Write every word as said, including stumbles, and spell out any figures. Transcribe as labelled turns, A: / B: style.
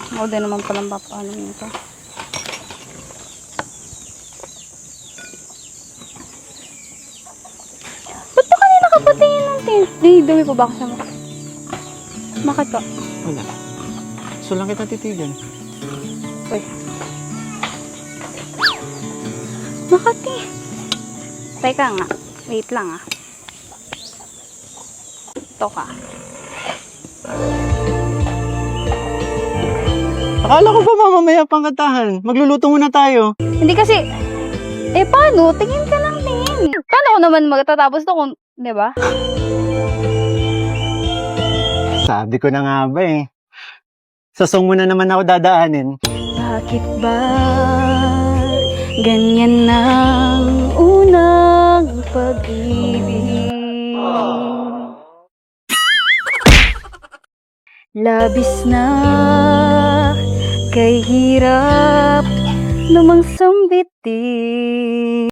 A: Ako din naman palang papaano nito. Ba't ba kanina ka patingin ng tin? Di, dumi pa ba ako sa mukha? Bakit ka?
B: Wala. So lang kita titigan.
A: Uy. Bakit eh? Teka nga. Wait lang ah. Ito ka.
B: Akala ko ba mamamaya pang katahan? Magluluto muna tayo.
A: Hindi kasi, eh paano? Tingin ka lang, tingin. Paano ko naman magtatapos to kung, di ba?
B: Sabi ko na nga ba eh. Sa song mo na naman ako dadaanin.
A: Bakit ba ganyan ang unang pag-ibig? Labis na kay hirap lumangsang bitin.